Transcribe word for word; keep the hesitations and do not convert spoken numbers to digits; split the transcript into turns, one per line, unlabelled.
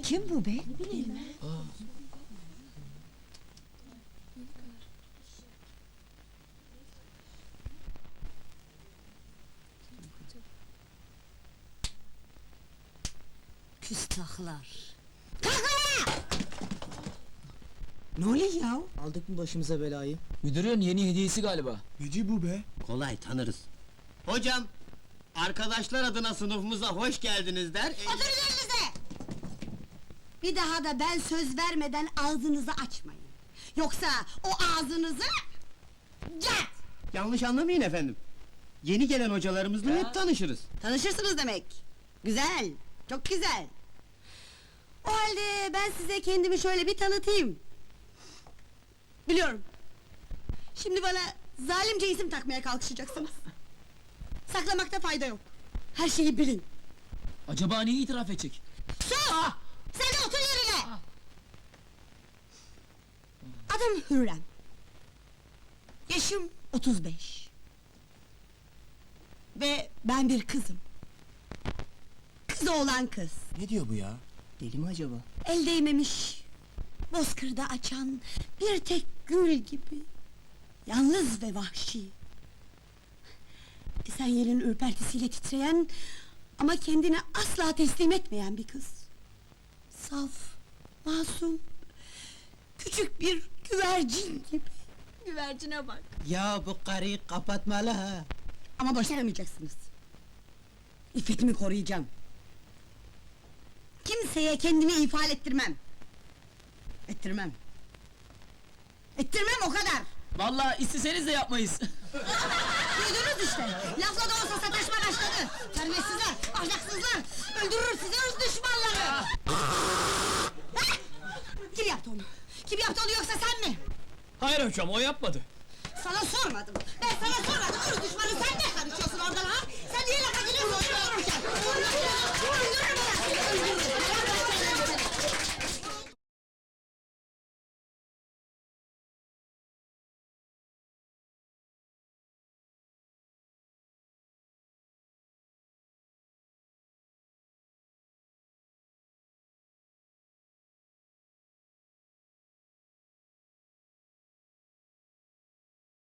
Kim bu be? Küstahlar! Ne oluyor ya?
Aldık mı başımıza belayı?
Müdürün yeni hediyesi galiba.
Neci bu be?
Kolay tanırız. Hocam, arkadaşlar adına sınıfımıza hoş geldiniz der.
Oturun yerinize! Bir daha da ben söz vermeden ağzınızı açmayın. Yoksa o ağzınızı... Cat!
Yanlış anlamayın efendim. Yeni gelen hocalarımızla hep tanışırız.
Tanışırsınız demek. Güzel, çok güzel. O halde ben size kendimi şöyle bir tanıtayım. Biliyorum. Şimdi bana zalimce isim takmaya kalkışacaksınız. Saklamakta fayda yok. Her şeyi bilin.
Acaba neyi itiraf edecek?
Sus! Sen de otur yerine! Adım Hürrem. Yaşım otuz beş. Ve ben bir kızım. Kız oğlan kız.
Ne diyor bu ya?
Deli mi acaba?
El değmemiş, bozkırda açan bir tek gül gibi. Yalnız ve vahşi. Esenyel'in ürpertisiyle titreyen ama kendini asla teslim etmeyen bir kız. Saf, masum, küçük bir güvercin gibi. Güvercine bak.
Ya bu karıyı kapatmalı ha!
Ama başaramayacaksınız. İffetimi koruyacağım. Kimseye kendimi ifade ettirmem. Ettirmem. Ettirmem o kadar.
Vallahi isteseniz de yapmayız.
Duydunuz işte. Lafla da olsa sataşma başladı. Terbiyesizler, ahlaksızlar. Öldürür sizi öz düşmanları. Hah! Kim yaptı onu? Kim yaptı onu yoksa sen mi?
Hayır hocam, o yapmadı.
Sana sormadım.